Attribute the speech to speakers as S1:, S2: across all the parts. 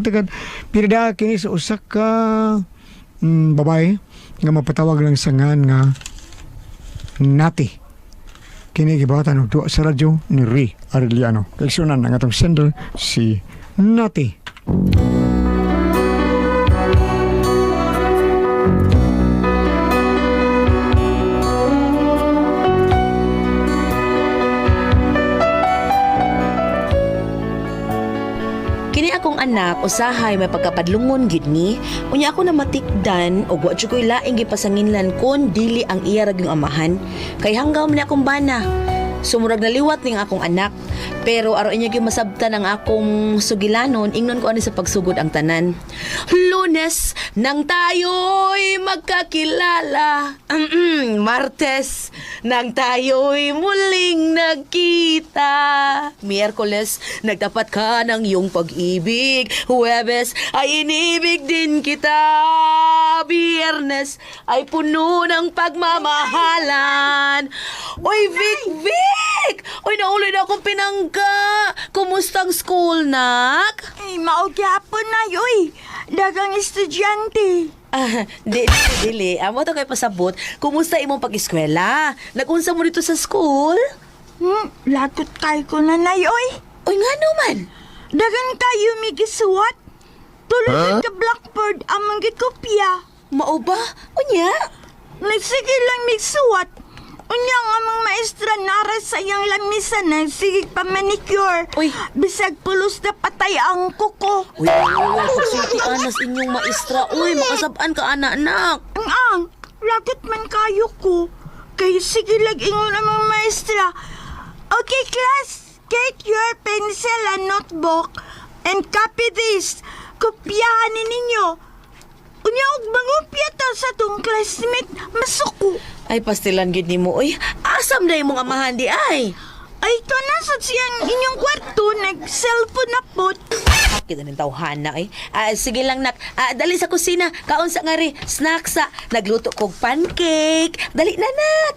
S1: tagad pirda kini sa usa ka babae nga mapatawag lang sa ngan nga Nati. Kini gibawatan og duwa sa radyo ni Ray Arellano. Kaigsunan ang atong sender si Nati.
S2: Kini akong anak usahay may pagkapadlungon gid ni, unya ako na matikdan og wa jud koy laing gipasanginlan kon dili ang iya ra gyung amahan kay hanggaw man akong bana. Sumurag naliwat ning akong anak, pero aro inya gyud masabtan ang akong sugilanon ingnon ko ani sa pagsugod ang tanan. Lunes nang tayo'y magkakilala. Martes nang tayo'y muling nagkita. Miyerkules nagtapat ka ng iyong pag-ibig. Huwebes ay inibig din kita. Biyernes ay puno ng pagmamahalan. Oy, Vic! Oy, nauli na akong pinangga. Kumusta ang school, nak?
S3: Ay, maugyapon na, yoy. Dagang estudyante.
S2: Dili. Amo to kay pasabot. Kumusta imong pag-eskwela? Nagunsa mo dito sa school?
S3: Lagot kay ko na, yoy.
S2: Oy, nga naman.
S3: Dagan kayo migisuwat. Tulad ka blackboard amang gikopya.
S2: Mao ba? Unya?
S3: Nagsige lang migsuwat. Unya nga mga maestra nara sa iyang lamisan na sige pa manicure.
S2: Uy.
S3: Bisag pulos na patay ang kuko.
S2: Uy, pagsulti anas inyong maestra. Uy, makasabaan ka anak-anak.
S3: Ang lagot man kayo ko. Kaya sige lang ingon ang mga maestra. Okay, class. Get your pencil and notebook and copy this. Kopyahan ni ninyo. Unya og mangupya ta sa tong classmate masuko.
S2: Ay, pastilan gid nimo. Uy, asam na imong amahan di ay.
S3: Ay, ito na sa siyang inyong kwarto, nag-cellphone na po.
S2: Kita ng tawhana eh. Sige lang nak. Dali sa kusina. Kaon sa ngari. Snack sa. Nagluto kog pancake. Dali na nak.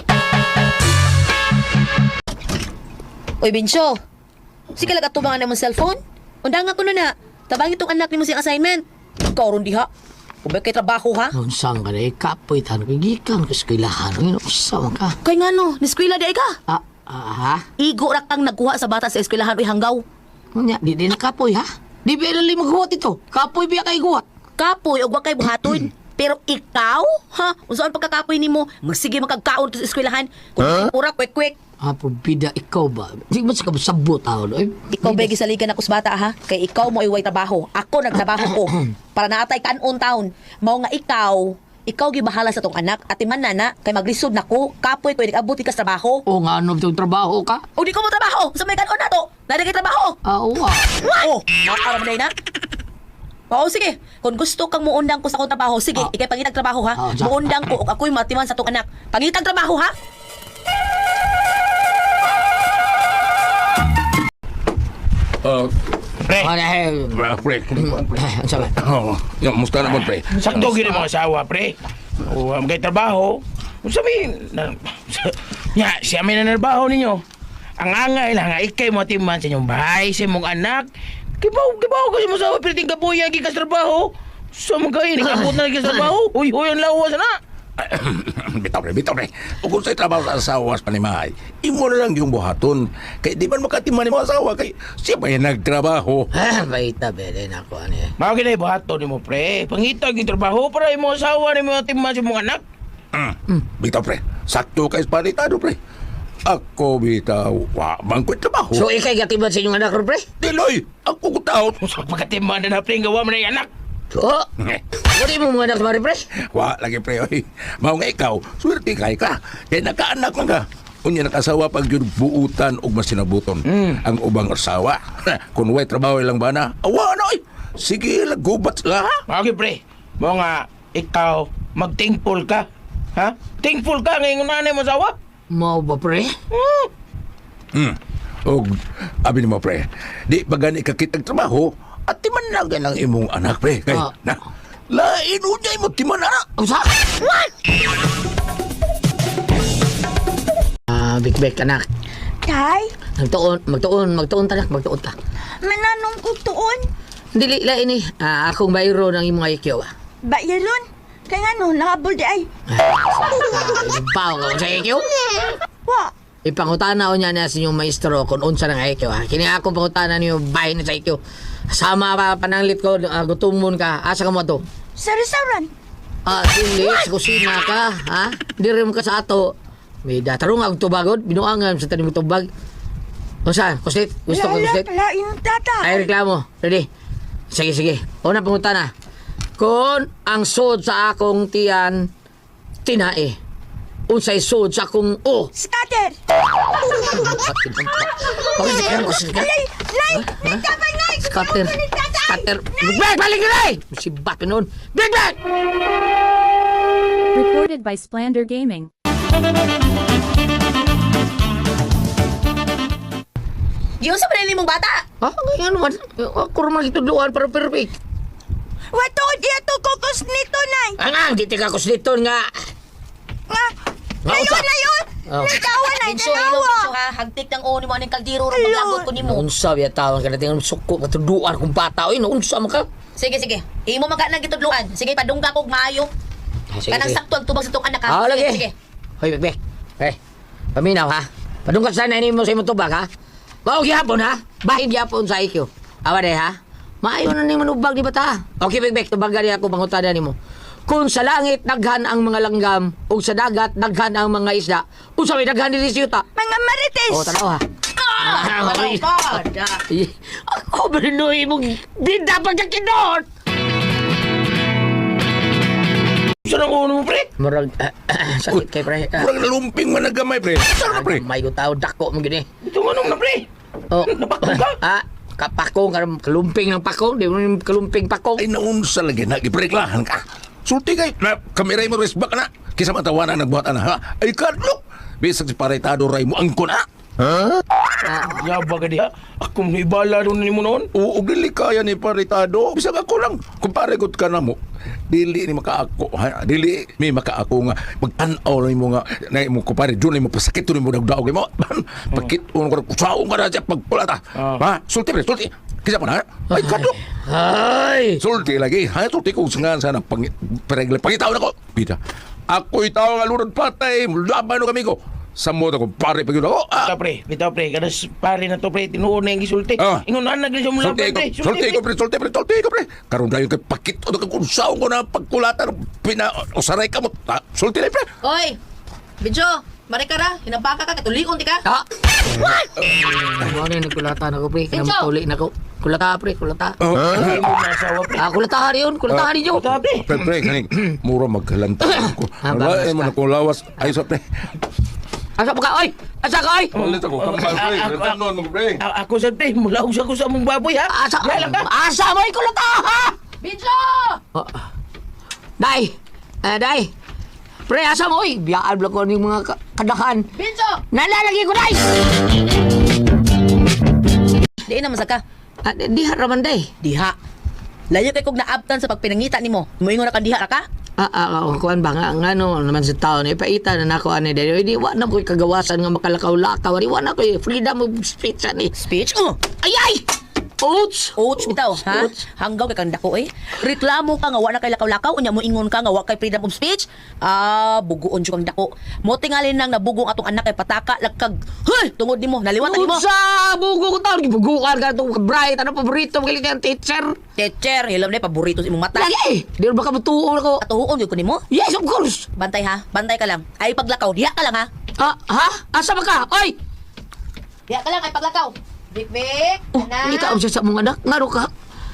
S2: Uy, Binsyo. Sige lang atubangan na mong cellphone. Undang ako na. Tabangin itong anak ni mo siyang assignment. Ikaw ron diha. Kung ba kay trabaho ha?
S4: Unsang ka na kapoy tan gikan ka eskwelahan. Usa ka.
S2: Kay nga no, niskwela di ay ka.
S4: Ha?
S2: Igo ra kang nagkuha sa bata sa eskwelahan uy hanggaw.
S4: Unya, di na kapoy ha? Di ba ilang maghuwat ito? Kapoy biya kay guwat.
S2: Kapoy og wa kay buhaton. Pero ikaw, ha? Unsaon pagkakapoy nimo? Magsige makagkaon sa eskwelahan. Kung ura kwek-kwek.
S4: Apo bida ikaw ba? Di ba sa kabusabot tao?
S2: Ikaw ba gisaligan ako sa bata ha? Kay ikaw mo iway trabaho. Ako nagtrabaho ko. Para naatay kanon taon. Mao nga ikaw gibahala sa tong anak at man nana kay maglisod nako. Kapoy ko nag-abot ka sa trabaho.
S4: O nga ano itong trabaho ka?
S2: O di ko mo trabaho. Sa may kanon na to. Nadagay trabaho.
S4: Uwa.
S2: Oh, nakaram na na. Oo, sige. Kung gusto kang muundang ko sa akong trabaho, sige, ikay pangitag trabaho ha. Muundang ko o ako'y matiman sa tong anak. Pangitag trabaho ha.
S5: Pre.
S4: Pre.
S5: Pre.
S4: Sabi.
S5: Yung musta naman, pre?
S6: Sakto gini mga asawa, pre. O, magay trabaho. Sabi, siya may nanarbaho ninyo. Ang angay lang, ikay mo timan sa inyong bahay, sa inyong anak. Kibaw kasi mo sa piliting kapuya, gikas trabaho. Sa mga kayo, nakabot na gikas trabaho. Uy, ang lawas na.
S5: Bitaw, pre. O kung sa'y trabaho sa asawa sa panimahay, imo na lang yung buhaton. Kaya di man makatiman ni mga asawa, kaya siya pa yung nagtrabaho.
S4: Baita, bede na ako. Ano eh.
S6: Mga kinay buhato ni mo, pre. Pangitag yung trabaho para yung mga asawa ni mga timan sa mga anak.
S5: Bitaw, pre. Sakto kayo sa palitado, pre. Ako, bitaw, bangko't trabaho.
S4: So, ikay gatiban sa inyong anak, pre?
S5: Diloy, ako kutaon.
S6: Sa pagkatiman na pre, gawa mo na yung anak.
S4: So, wala mo mga anak mari, pre?
S5: Wa lagi, pre, oy. Mao nga ikaw, swerte kay ka. Kaya nakaanak man ka. Unya nakasawa pag yun buutan o masinabuton. Ang ubang asawa. Kung way trabaho lang ba na, awa na, oy. Sige, lagubat sila, ha?
S6: Okay, pre. Mga ikaw, mag-thankful ka. Ha? Thankful ka ngayon nanay mo asawa?
S4: Mau ba, pre?
S5: O, abi ni mo, pre. Di ba gani kakitag trabaho, at timan na ganang imong anak, pre. Kay, na, lain unya imo timan na.
S4: Usa? Big anak.
S3: Tay,
S4: Magtuon ta.
S3: mananong ko tuon.
S4: Dili la ini. Akong bayro ng imong IQ.
S3: Bayalon. Kaya nga no, nakabol di ay.
S4: Ibaw ka sa IQ?
S3: Wa.
S4: Ipangutana ko niya na sa inyong maestro kung unsa ng IQ ha. Kini akong pangutana niyo bahay na sa IQ. Sama pa pananglit ko, gutumon ka. Asa ka mo to?
S3: Sa restaurant.
S4: Dili, sa kusina ka, ha? Di rin mo ka sa ato. May datarong ang tubagod, binuangan sa tanim tubag. O saan? Kuslit? Gusto ko kuslit?
S3: Lain tata.
S4: Ay, reklamo. Ready? Sige, sige. Una pangutana. Kung ang sod sa akong tiyan, tinae. Unsay sod sa akong o.
S3: Scatter. Alay, nay, nagkabay nay.
S4: Scatter. Scatter. Big Bag! Balik na rin! Si Bato noon. Big Bag!
S7: Recorded by Splander Gaming.
S2: Giyon sa panili mong bata.
S4: Ngayon naman. Ako naman itudluan para perfect.
S3: Wato, di ato kokos nito, nay.
S4: Ang di tika ko dito nga.
S3: Nga, layon, layon.
S4: Oh.
S3: Nagkawa na,
S2: Binso, hello,
S3: dalawa.
S2: Binso ha. Hagtik ng uno mo ng kaldiro ron maglagot ko nimo.
S4: Naunsa biya tawon ka natin. Suko katudluan kong bata. Uy, naunsa mo ka.
S2: Sige, sige. Imo man ka nang gitudluan. Sige, padungga kog maayo. Kanang sakto ang tubag sa tong anak ha.
S4: Lagi.
S2: Sige.
S4: Hoy, Bek. Hey, paminaw ha. Padungkat sana ini mo sa imong tubag ha. Mao gyapon ha. Bahid gyapon sa IQ. Awa de ha. Maayo na ni manubag di bata. Okay, Bek, tubag gani ako pangutana nimo. Kung sa langit daghan ang mga langgam ug sa dagat daghan ang mga isda, unsa may daghan diri sa yuta?
S3: Mga marites.
S4: Tanaw ha.
S2: Oh God.
S4: Ako berinoy mong di dapat ka kinot.
S6: Saan ang uno mo, pre?
S4: Murag sakit kay pre.
S5: Kurang nalumping man nagamay, pre. Saan pre?
S4: May ko tao dako mo gini.
S6: Ito anong na, pre?
S4: Oh,
S6: Napakong ka?
S4: kapakong kalumping ng pakong, di mo yung kalumping pakong.
S5: Ay, naunsa lagi na. Ipreklahan ka. Sulti kay, na kamiray mo resbak na. Kisa matawanan nagbuhat na, ha? Ay, kadlok. Bisag si paretado ray mo angkon, ha?
S6: Yaba ka diha. Ako mo ibala doon ni mo noon.
S5: Oo, dili kaya ni paretado. Bisag ako lang. Kung paregot ka na mo, dili ni makaako, ha? Dili may makaako nga. Magtanaw na mo nga. Na mo kupare, doon mo pasakit, doon mo nagdaog mo. Pagkit, unong ka, kusaong ka na siya pagpulata. Ha? Sulti, pre, sulti. Kisa pa na, ha? Ay, kadlok.
S4: Ay!
S5: Sulti lagi. Ha, sulti ko nga sana pangitaw na ko. Pita. Ako'y tao nga lurad patay. Laban no kami ko. Sa moto ko, pare pag yun ako.
S6: Bitaw pre, kanas pare na to pre, tinuon na yung gisulti. Ingon na nagli siya mula
S5: Sulti ko,
S6: pre.
S5: sulti ko, pre. Karoon tayo kay pakit o nagkakunsaon ko na pagkulatan. Usaray ka mo. Sulti na, pre.
S2: Oy. Binso, mari ka ra. Hinabaka ka katulion di ka.
S4: Ano na yung nagkulata na ko, pre? Kaya
S2: Pincho!
S4: matuli na ko. Kulata, pre, kulata.
S6: Ay mo nasawa pre.
S4: Kulatahan yun, kulatahan ninyo.
S6: Ito pre.
S5: Pre, kaning mura magkalanta ko. Wala, mo na kung lawas. Ay, sa pre.
S4: Asa pa ka, oy! Asa ka, oy!
S5: Ulit ako, kampal, pre. Retanon mo, pre.
S6: Ako sa pre, mula ko sa mong baboy ha.
S4: Asa mo yung kulata, ha?
S2: Binso!
S4: Day! Day! Pre, asa mo, oy! Biyaan lang ko ng mga kadakan.
S2: Binso!
S4: Nalalagi ko, day!
S2: Di na masaka.
S4: Di haraman, day.
S2: Diha. Layo kay kog naabtan sa pagpinangita nimo. Moingon ra ka diha ra ka?
S4: Kuan ba nga, ano naman sa taon, ipaita na nako ani dahil di wa na ko'y kagawasan nga makalakaw-lakaw, di wa na ko'y freedom of speech ani.
S2: Speech?
S4: Ay! Ouch!
S2: Ouch bitaw, ha?
S4: Ouch.
S2: Hanggaw kay kang dako eh. Reklamo ka nga wa na kay lakaw-lakaw, unya mo ingon ka nga wa kay freedom of speech. Buguon jud kang dako. Mo tingalin nang nabugong atong anak kay pataka lagkag. Hoy, tungod nimo, naliwatan nimo.
S4: Sa bugo ko taon, gibugukan ka itong bright, ano paborito, magalit yung teacher.
S2: Teacher, hilam na paborito sa imong mata.
S4: Lagi! Di ba ka matuon ako?
S2: Atuon gyud ko nimo.
S4: Yes, of course!
S2: Bantay ha, bantay ka lang. Ay paglakaw, diha ka lang ha.
S4: Ha? Asa ba ka? Oy!
S2: Diha ka lang ay paglakaw. Bik,
S4: Hindi ka siya sa mga anak. Ngaro ka.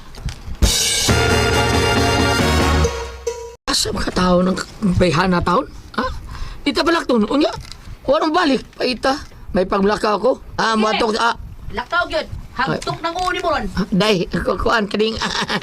S4: Asa ba ka tao ng bayhan na taon? Ha? Di ta balak to. Unya? Walang balik. Paita. May paglakaw ako. Matok.
S2: Lakaw gyud. Hagtok nang uni mo ron.
S4: Day, kukuan kading.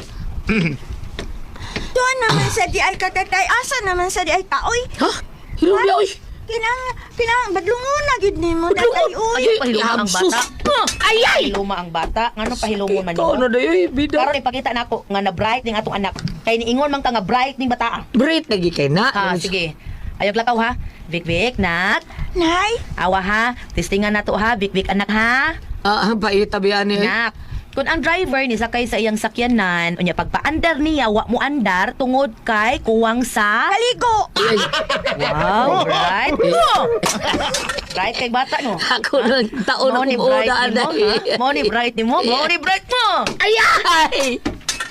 S3: Doon naman sa di ay katatay. Asa naman sa di ay kaoy.
S4: Ha? Hilong niya, oy.
S3: Kinang badlungon na gid nimo tatay uy.
S2: Ay, pahiluma ang bata.
S4: Ay!
S2: Pahiluma ang bata. Ngano pahilumon man
S4: Ikaw
S2: nimo?
S4: na dayoy, bida.
S2: Karon ipakita nako nga na bright ning atong anak. Kay niingon man ka nga bright ning bata.
S4: Break lagi kay na.
S2: Sige. Ayog lakaw ha. Bik, nak.
S3: Nay,
S2: Awa ha. Testingan na to ha. Bik, anak ha.
S4: Paita biyan niya.
S2: Nak. Kung ang driver ni sakay sa iyang sakyanan, unya pagpaandar niya, wa mo andar tungod kay kuwang sa...
S3: Kaligo!
S2: Wow, right? Right kay bata no.
S4: Ako na taon
S2: Mo
S4: ako
S2: ni bright
S4: uuna
S2: ni mo,
S4: na.
S2: ha? Mo ni bright ni mo, mo ni bright mo.
S4: Ayay!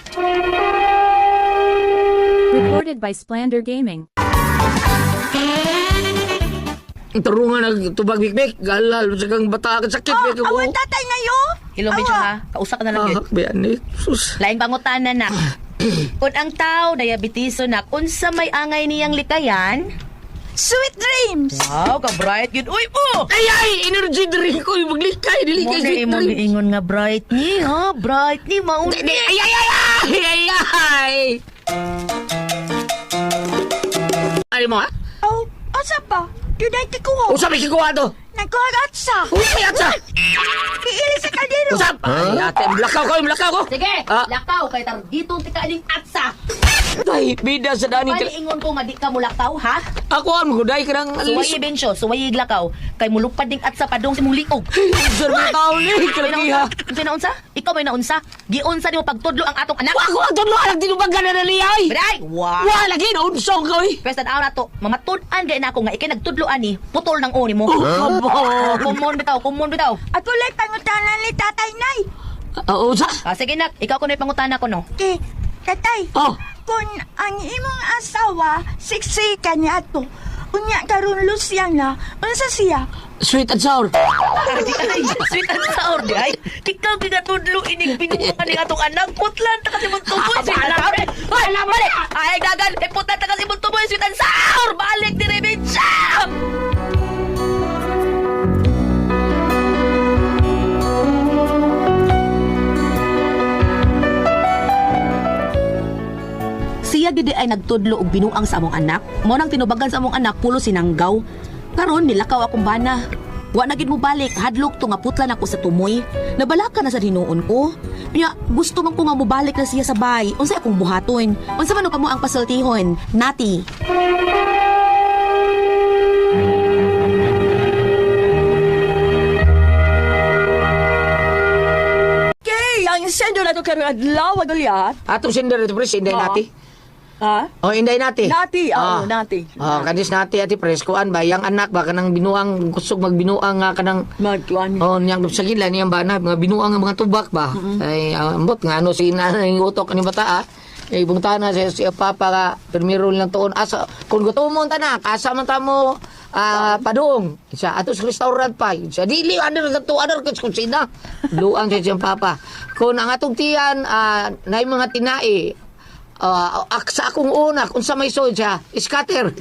S7: Recorded by Splander Gaming.
S4: Tarungan na tubag bikbik. Galal, sa kang bata ka sakit.
S3: Oh,
S4: Bek ako.
S3: awan tatay ngayo.
S2: Hello, medyo ha. Kausa ka na lang yun.
S4: Bayan ni. Sus.
S2: Laing pangutanan nak. Kung ang tao diabetiso nak, unsa may angay niyang likayan?
S3: Sweet dreams.
S2: Wow, ka bright yun. Uy po!
S4: Ayay! Energy drink ko. Maglikay.
S2: Mo
S4: Dilikay
S2: na
S4: sweet
S2: imong
S4: drink.
S2: ingon nga bright ni ha, bright ni maun.
S4: Ayay! Ano mo ha?
S3: Oh, asa pa? Yun ay tikuho.
S4: Usap may kikuha to.
S3: Nagkagat sa.
S4: Usap yata.
S3: Kiili sa kaldero.
S4: Usap. Ay, ate. Blakaw ko.
S2: Sige,
S4: Ah.
S2: lakaw kay tar dito tika aling atsa.
S4: Ay, bida sa dani.
S2: Pwede ingon ko nga di ka mo lakaw ha?
S4: Ako ang maguday ka ng
S2: Suwayi bensyo, suwayi lakaw. Kay mulupad ding atsa padong si mong liog.
S4: Sir, may tao ni. Kalagiha.
S2: Unsa naunsa? Ikaw may naunsa? Giunsa nimo pagtudlo ang atong anak?
S4: Ako ang tunlo anak tinubagan na naliyay.
S2: Biday! Wow!
S4: Wala lagi na unsong ko eh.
S2: Pwes tanaw na to, mamatud-an gaya na ako nga ikay nagtudloan ni, putol ng uni mo. Kumon bitaw.
S3: Ako lang pangutanan ni tatay nay.
S4: Usa.
S2: Sige nak, ikaw ko na ipangutana ko no.
S3: Okay, tatay.
S4: Oh.
S3: Kung ang imong asawa, siksika niya to, unya karon lusyang na, unsa siya?
S4: Sweet and sour.
S2: Ay, sweet and sour di ay. Ikaw gigatudlo inig binuang ni atong anak, putlan ta kasi mong tuboy sweet and sour. Ay, balik. Ay, gagan, putlan ta kasi mong tuboy sweet and sour. Balik di Rebensya. Siya gidi ay nagtudlo og binuang sa among anak. Mo nang tinubagan sa among anak pulo sinanggaw. Karon nilakaw akong bana. Wa na gid mo balik, hadlok to nga putlan ako sa tumoy. Nabalaka na sa hinuon ko. Nya gusto man ko nga mobalik na siya sa bay. Unsa akong buhaton? Unsa man kamo ang pasultihon? Nati.
S8: Okay, ang sendo na to karong adlaw Goliath.
S4: Atong sender ito pres, inday
S8: Oo.
S4: nati.
S8: Ha?
S4: Oh, inday nati.
S8: Nati, nati.
S4: Oh, kadis nati ati pres kuan ba yang anak ba kanang binuang kusog magbinuang nga kanang
S8: Magkuan.
S4: oh niyang sa gila niyang bana mga binuang nga mga tubak ba. Ay ambot nga ano si nanay utok ni bata ah. Ay bungtana siya papa ka permiro lang tuon asa kung gutomon ta na asa man ta mo padung sa atos restaurant pa sa dili under ka kusina luang sa siyang papa kung ang atong tiyan nay mga tinai sa akong una kung sa may soy siya scatter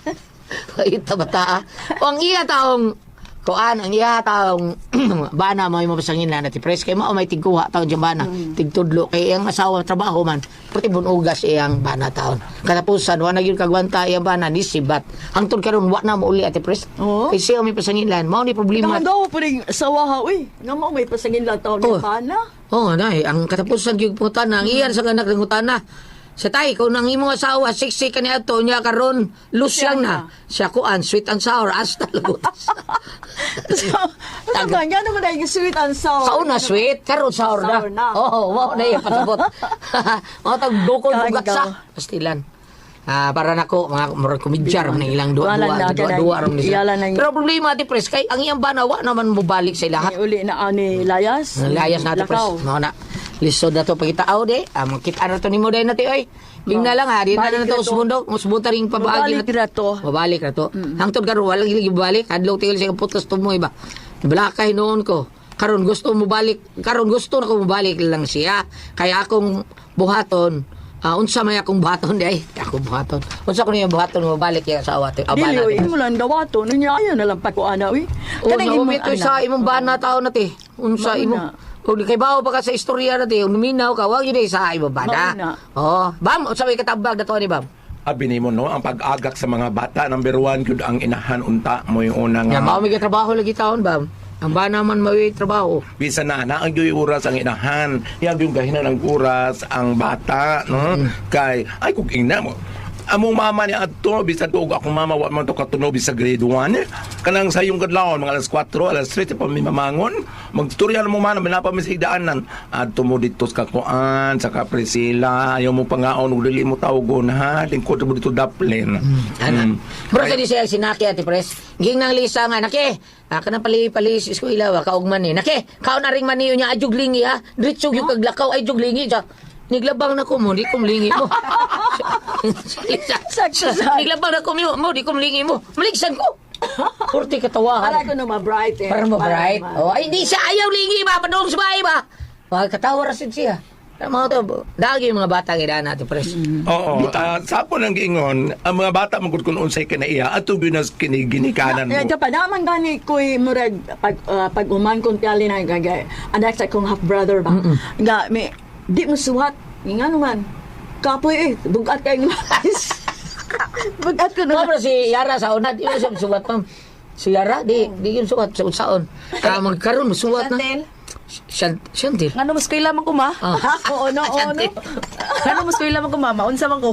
S4: ita bata o ang iya taong kuan ang iya taong bana mo mapasangin na ti pres kay mao may tigkuha taon diyan bana tigtudlo kay ang asawa trabaho man pati bunugas iyang bana taon katapusan wa na gyud kagwanta iyang bana ni sibat hangtod karon wa na mo uli ati pres
S8: Oo.
S4: kay siya may pasangilan mao ni problema
S8: Naman daw po rin sawaha, uy. Nga mo may pasangin lang taon
S4: Oh.
S8: ni Pana.
S4: oh nay ang katapusan gyud putana ang iyan sa anak ng utana sa tay, kung nang imong asawa, siksi ka niya ito, niya karon lusyang na. Siya kuan, sweet and sour, hasta lagutas.
S8: So, ano ba? Nga naman ay sweet and sour.
S4: Sa una, sweet, karon sour na.
S8: Sour na.
S4: Oo, wow na yung pasabot. Mga tagdukol
S8: Kain
S4: bugat
S8: ka.
S4: sa pastilan. Para nako mga murag komedyar man ilang
S8: Wala na,
S4: dua ram ni
S8: iyalan na yun.
S4: pero problema ti pres kay ang iyang banawa naman mo balik sa
S8: Ay,
S4: lahat
S8: uli na ani Layas.
S4: layas nato pres
S8: Lakaw.
S4: mao na lisod na to pagitaaw de makita na to nimo day nati oy bingna lang ha di na
S8: Balik
S4: to
S8: na to.
S4: usmundo usbuta ring pabaagi
S8: Mabalik na to.
S4: mabalik na to hangtod karon wala gili balik hadlaw tigil sa putos tumoy ba balakay noon ko karon gusto mo balik karon gusto na ko mo balik lang siya kaya akong buhaton unsa may akong buhaton di ay ako buhaton unsa ko niya buhaton mo balik ya sa awat
S8: Dili, uy. Imo lang dawato. Nangyaya na lang pa ko ana, uy. Kanang imong
S4: umito sa
S8: anak.
S4: imong bana tao na ti unsa
S8: Mauna.
S4: imong kung kay bawo pa ka sa istorya na ti uminaw ka wag yun sa imong bana
S8: Mauna.
S4: oh bam unsa may katabag na to ni bam
S5: Abi nimo no ang pag-agak sa mga bata number 1 gyud ang inahan unta mo yung unang
S4: ya mao may trabaho lagi taon bam ang bana man may trabaho
S5: Bisa na ang yoy oras ang inahan, yang yung gahinan ng oras ang bata, no? Kay ay kung ina mo among mama ni adto bisan ko akong mama wa man to katunob sa grade 1 kanang sayong kadlawon mga alas 4 alas 3 pa mi mamangon magtutorya mo man manapa mi sa higdaanan adto mo dito sa kakuan sa Kaprisila ayaw mo pangaon ug dili mo tawgon ha lingkod mo dito daplin
S4: Ano? Bro, sa di siya sinaki ati pres. Ging nang lisa nga, naki. Kana pali isko ilaw, kaugman ni. Naki, kao na ring maniyo niya, ajuglingi ha. Dritsog yung kaglakaw, ay juglingi siya. Niglabang na ko mo, di kumlingi mo. Niglabang na ko mo, di kumlingi mo. Maligsan ko. Purti katawahan.
S8: Para ko na ma-bright eh.
S4: Para mo bright. Oh, ay di siya ayaw lingi ba, padong sa bahay ba? Wag katawa rasid siya. Mga to, dagi yung mga bata nga natin, pres.
S5: Oo, sapo nang giingon, ang mga bata magud kun unsay kinaiya ato binas kiniginikanan mo.
S8: Ito pa naman gani ko'y murag pag uman kong tiyali na gagay. Anak sa kong half-brother ba? Nga, may, di mo suwat. Nga naman. Kapoy eh, bugat kayo ng mais. Bugat ko
S4: No,
S8: na.
S4: pero si Yara sa una, di mo siya suwat pa. Si Yara, di yun suwat sa unsaon. Magkaroon, suwat na. Shantil.
S2: Ngano mas kaila man ko ma?
S8: Oo, no.
S2: Ngano mas kaila man ko ma? Maunsa man ko?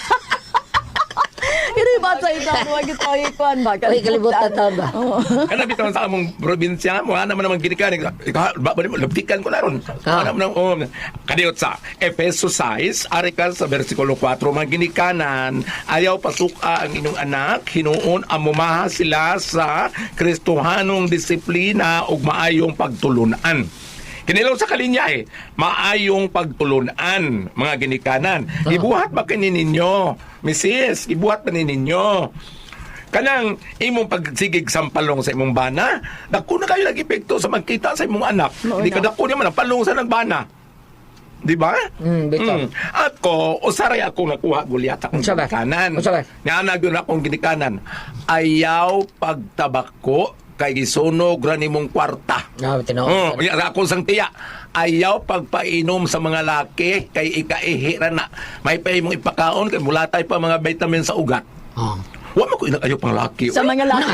S8: Hindi ba sa ito? Huwag ito ikuan ba?
S4: Ay, kalibutan taon ba?
S5: Kana bitaw sa among probinsya mo ana man naman ginikanan. Ba mo labtikan ko na ron. Ana man kadiot sa Efeso 6 ari ka sa bersikulo 4 mga ginikanan ayaw pasuka ang inyong anak hinuon amumaha sila sa Kristohanong disiplina ug maayong pagtulunan. Kinilaw sa kalinya maayong pagtulunan, mga ginikanan. Ibuhat ba kini ninyo, Mrs. Ibuhat ba ninyo? Kanang imong pagsigig sampalong sa imong bana, dako na kayo nag-epekto sa magkita sa imong anak. Hindi ka dako niya man ang palong sa nagbana. Di ba?
S4: Bitaw.
S5: At ko, usaray ako nakuha gulyat akong
S4: Unsa ba?
S5: ginikanan.
S4: Unsa ba?
S5: Nga yun akong ginikanan. Ayaw pagtabako kay gisunog ra nimong kwarta.
S4: Tinaw.
S5: Ako sang tiya. Ayaw pagpainom sa mga laki kay ikaihi ra na. May pa imong ipakaon kay mulatay pa mga vitamin sa ugat. Wa man ko ayaw pang laki.
S8: Sa mga laki.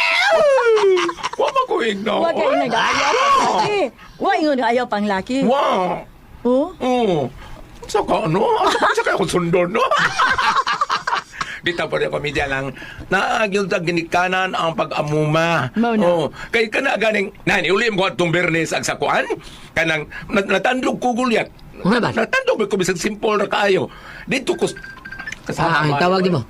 S5: Wa man ko igno.
S8: Huwag kayo nag-ayaw pang laki. Huwag yung ayaw pang laki.
S5: Wow.
S8: Oh?
S5: Sa ka ano? Sa kaya akong sundon, no? Dito pa rin komedya lang. Naagil sa ginikanan ang pag-amuma.
S8: Mauna.
S5: Kay ka na ganing, uli mo itong bernes ang sakuan. Kanang natandog ko gulyat.
S4: Ano ba?
S5: Natandog ko bisag simple na kaayo. Dito ko
S4: Tawag di mo.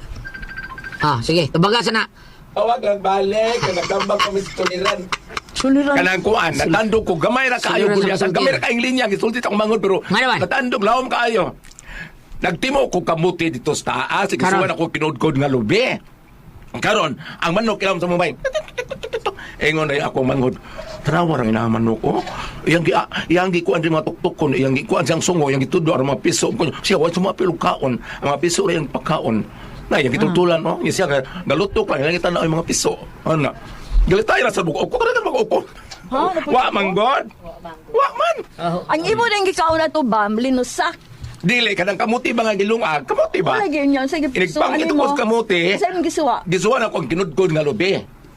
S4: Sige, tabaga sana.
S5: Tawag lang balik. Nagdambang kami sa tuliran.
S8: Suliran.
S5: Kanang kuan, natandog ko. Gamay ra kaayo
S4: Suliran
S5: gulyat.
S4: sa
S5: Ang gamay ra kaing linya. Gisultit akong mangod pero
S4: Nga naman.
S5: natandog lawom kaayo. Nagtimo ko kamuti dito sa taas. Sige,
S4: Karon.
S5: suwan ako kinudkod nga lubi. Karon, ang manok ilam sa mumay. Engon ay ako mangod. Trawa ang inaman ko. Iyang gikuan din mga tuktukon. Iyang gikuan siyang sungo. Iyang gitudo ang mga piso. Siya, wala sumapilog kaon. Ang mga piso rin yung pagkaon. Na, iyang gitutulan, no? Yung siya, galutok lang. Iyang kita na yung mga piso. Ano? Galitay na sa buko. Ako ka na mag-uko. Wa man, God. Wa man.
S8: Ang imo na yung gikaw na to, Bam, linusak.
S5: Dili, kanang kamuti ba nga gilungag? Kamuti ba?
S8: Wala yun yun. Sige,
S5: Inigpang
S8: ano
S5: ito
S8: mo?
S5: ko sa kamuti.
S8: Saan yung gisuwa?
S5: Gisuwan ako ang kinudkod nga lubi.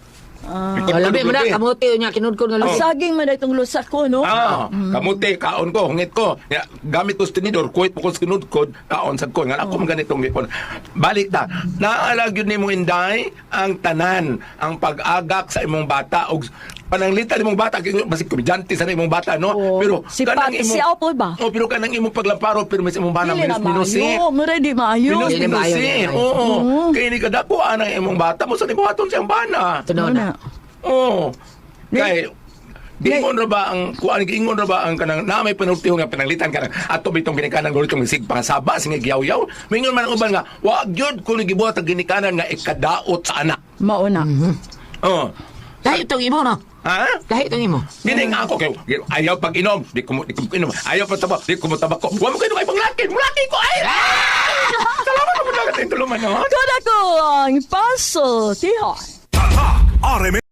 S4: Labi mo na, kamuti niya, kinudkod nga
S8: Ang
S4: lubi.
S8: saging man na itong lusak ko, no?
S5: Kamuti, kaon ko, hungit ko. Ya, gamit ko sa tinidor, kuwit mo ko sa kinudkod, kaon sa ko. Nga ako ganitong gipon. Balik ta. Naalag yun ni mong inday, ang tanan, ang pag-agak sa imong bata, o pananglitan imong bata, basi komedyante sa imong bata, no?
S8: Oo.
S5: Pero,
S8: Si
S5: kanang
S8: Pat, si Apple ba?
S5: pero kanang imong paglamparo, pero may imong bana,
S8: Dili na
S5: minusi.
S8: maayo. Mura di maayo.
S5: Minus,
S4: Dili maayo,
S5: minusi.
S4: dili maayo.
S5: Oo. Kaya ni kadako, anang imong bata, mo sa nibuhaton siyang bana.
S4: Tunaw na.
S5: Oo. Kay giingon ra ba ang kuan giingon ra ba ang kanang na may penalty nga pinanglitan kanang ato bitong ginikanan guro itong sig pangasaba sing giyaw-yaw. Mingon man ang uban nga wa gyud kun gibuhat ang ginikanan nga ikadaot sa anak.
S8: Mauna.
S5: Oo.
S4: Dahil itong imo, no?
S5: Ha?
S4: Dahil itong imo.
S5: Gining ako kay ayaw pag inom, di ko inom. Ayaw pa tabak, di ko mo tabako. Wa mo kayo kay panglaki, mulaki ko ay. Salamat mo dagat tulungan no.
S8: Kada ko ang paso, tihon.
S9: RMN